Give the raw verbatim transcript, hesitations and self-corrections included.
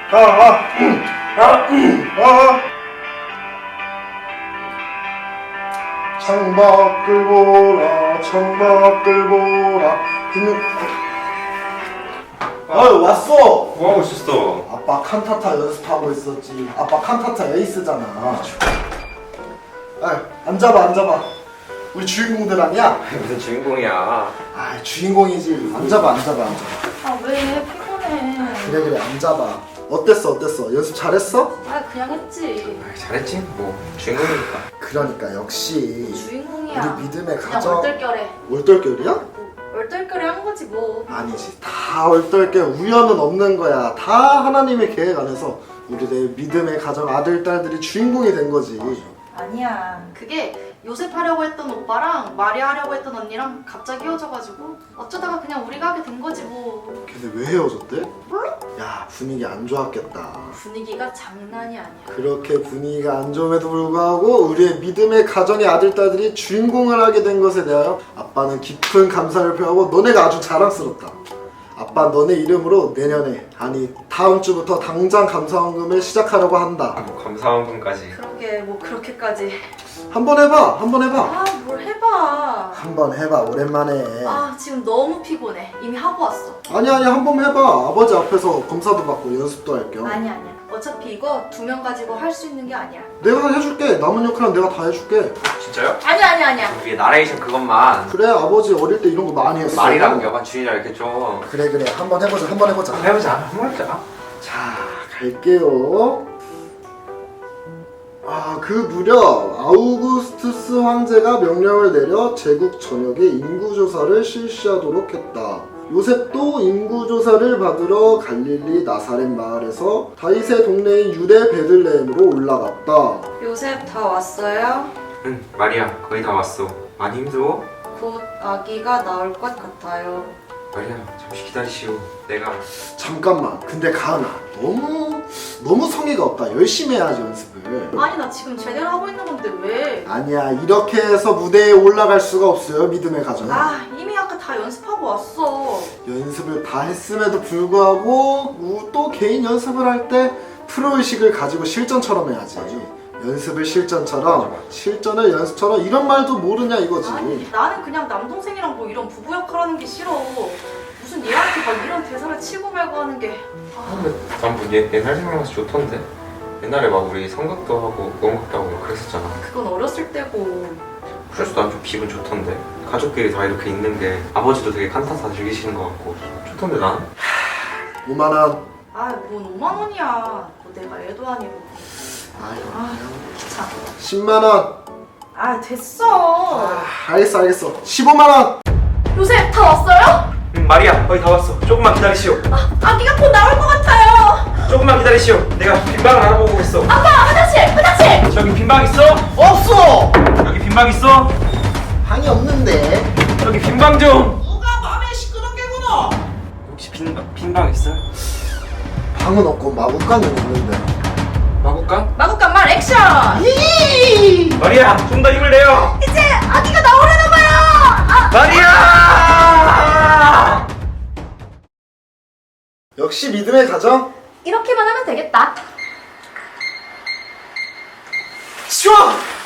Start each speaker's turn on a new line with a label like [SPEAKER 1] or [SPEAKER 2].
[SPEAKER 1] 아, 아, 아, 아. 창밖을 보라, 창밖을 보라. 그는 아유 왔어.
[SPEAKER 2] 뭐하고 있었어?
[SPEAKER 1] 아빠 칸타타 연습하고 있었지. 아빠 칸타타 에이스잖아. 아, 앉아봐, 앉아봐. 우리 주인공들 아니야?
[SPEAKER 2] 무슨 주인공이야?
[SPEAKER 1] 아, 주인공이지. 앉아봐, 앉아봐, 앉아봐.
[SPEAKER 3] 아 왜 피곤해.
[SPEAKER 1] 그래, 그래, 앉아봐. 어땠어, 어땠어? 연습 잘했어?
[SPEAKER 3] 아 그냥 했지.
[SPEAKER 2] 아, 잘했지? 뭐 주인공이니까.
[SPEAKER 1] 그러니까 역시
[SPEAKER 3] 주인공이야.
[SPEAKER 1] 우리 믿음의
[SPEAKER 3] 그냥
[SPEAKER 1] 가정.
[SPEAKER 3] 얼떨결에.
[SPEAKER 1] 얼떨결이야?
[SPEAKER 3] 얼떨결에 한 거지 뭐.
[SPEAKER 1] 아니지. 다 얼떨결. 우연은 없는 거야. 다 하나님의 계획 안에서 우리의 믿음의 가정 아들, 딸들이 주인공이 된 거지.
[SPEAKER 3] 아니야. 그게 요셉 하려고 했던 오빠랑 마리아 하려고 했던 언니랑 갑자기 헤어져가지고 어쩌다가 그냥 우리가 하게 된 거지 뭐.
[SPEAKER 1] 걔네 왜 헤어졌대? 몰라? 야, 분위기 안 좋았겠다.
[SPEAKER 3] 분위기가 장난이 아니야.
[SPEAKER 1] 그렇게 분위기가 안 좋음에도 불구하고 우리의 믿음의 가정의 아들, 딸들이 주인공을 하게 된 것에 대하여 아빠는 깊은 감사를 표하고 너네가 아주 자랑스럽다. 아빠 너네 이름으로 내년에, 아니 다음 주부터 당장 감사원금을 시작하려고 한다.
[SPEAKER 2] 아, 뭐 감사원금까지.
[SPEAKER 3] 그러게 뭐 그렇게까지.
[SPEAKER 1] 한번 해봐, 한번 해봐.
[SPEAKER 3] 아 뭘 해봐.
[SPEAKER 1] 한번 해봐, 오랜만에.
[SPEAKER 3] 아 지금 너무 피곤해. 이미 하고 왔어.
[SPEAKER 1] 아니 아니 한번 해봐. 아버지 앞에서 검사도 받고 연습도 할 겸.
[SPEAKER 3] 아니 아니야. 어차피 이거 두 명 가지고 할 수 있는 게 아니야.
[SPEAKER 1] 내가 해줄게. 남은 역할은 내가 다 해줄게.
[SPEAKER 2] 진짜요?
[SPEAKER 3] 아니 아니 아니야.
[SPEAKER 2] 우리 나레이션 그것만.
[SPEAKER 1] 그래, 아버지 어릴 때 이런 거 많이 했어.
[SPEAKER 2] 말이랑 여간 주인이랑 이렇게 좀
[SPEAKER 1] 그래 그래, 한번 해보자, 한번 해보자.
[SPEAKER 2] 해보자. 한번 해보자.
[SPEAKER 1] 자, 갈게요. 아, 그 무렵 아우구스투스 황제가 명령을 내려 제국 전역에 인구조사를 실시하도록 했다. 요셉도 인구조사를 받으러 갈릴리 나사렛 마을에서 다윗의 동네인 유대 베들레헴으로 올라갔다.
[SPEAKER 3] 요셉 다 왔어요?
[SPEAKER 2] 응, 마리아 거의 다 왔어. 많이 힘들어?
[SPEAKER 3] 곧 아기가 나올 것 같아요.
[SPEAKER 2] 마리아 잠시 기다리시오. 내가
[SPEAKER 1] 잠깐만, 근데 가은아, 너무 너무 성의가 없다. 열심히 해야지 연습을.
[SPEAKER 3] 아니 나 지금 제대로 하고 있는 건데 왜?
[SPEAKER 1] 아니야, 이렇게 해서 무대에 올라갈 수가 없어요, 믿음의 가정.
[SPEAKER 3] 아 이미 아까 다 연습하고 왔어.
[SPEAKER 1] 연습을 다 했음에도 불구하고 우- 또 개인 연습을 할 때 프로의식을 가지고 실전처럼 해야지. 연습을 실전처럼, 실전을 연습처럼, 이런 말도 모르냐 이거지.
[SPEAKER 3] 아니 나는 그냥 남동생이랑 뭐 이런 부부 역할 하는 게 싫어. 무슨 얘한테 막 이런 대사를 치고 말고 하는 게. 아,
[SPEAKER 2] 근데 난뭐 옛날 생각나서 좋던데. 옛날에 막 우리 성극도 하고 무언극도 하고 막 그랬었잖아.
[SPEAKER 3] 그건 어렸을 때고.
[SPEAKER 2] 그래서 난 좀 기분 좋던데. 가족끼리 다 이렇게 있는 게 아버지도 되게 칸타타 즐기시는 것 같고 좋던데 난.
[SPEAKER 1] 오만 원.
[SPEAKER 3] 아뭔 오만 원이야. 뭐 내가 애도 아니고.
[SPEAKER 1] 아유,
[SPEAKER 3] 아 귀찮아.
[SPEAKER 1] 십만 원.
[SPEAKER 3] 아 됐어.
[SPEAKER 1] 아, 알겠어 알겠어. 십오만 원.
[SPEAKER 3] 요셉 다 왔어요?
[SPEAKER 2] 응, 마리아 거의 다 왔어. 조금만 기다리시오.
[SPEAKER 3] 아, 아기가 곧 나올 것 같아요.
[SPEAKER 2] 조금만 기다리시오. 내가 빈방을 알아보고 있어.
[SPEAKER 3] 아빠 화장실 화장실.
[SPEAKER 2] 저기 빈방 있어?
[SPEAKER 1] 없어.
[SPEAKER 2] 여기 빈방 있어?
[SPEAKER 1] 방이 없는데.
[SPEAKER 2] 여기 빈방 좀.
[SPEAKER 4] 누가 밤에 시끄럽게 구노?
[SPEAKER 2] 혹시 빈방 빈방 있어요?
[SPEAKER 1] 방은 없고 마구간은 있는데.
[SPEAKER 2] 마구간?
[SPEAKER 3] 마구간 말 액션.
[SPEAKER 2] 마리아 좀 더 힘을 내요.
[SPEAKER 3] 이제 아기가 나오려나 봐요. 아,
[SPEAKER 2] 마리아!
[SPEAKER 1] 역시 믿음의 가정.
[SPEAKER 3] 이렇게만 하면 되겠다.
[SPEAKER 1] 쉬워.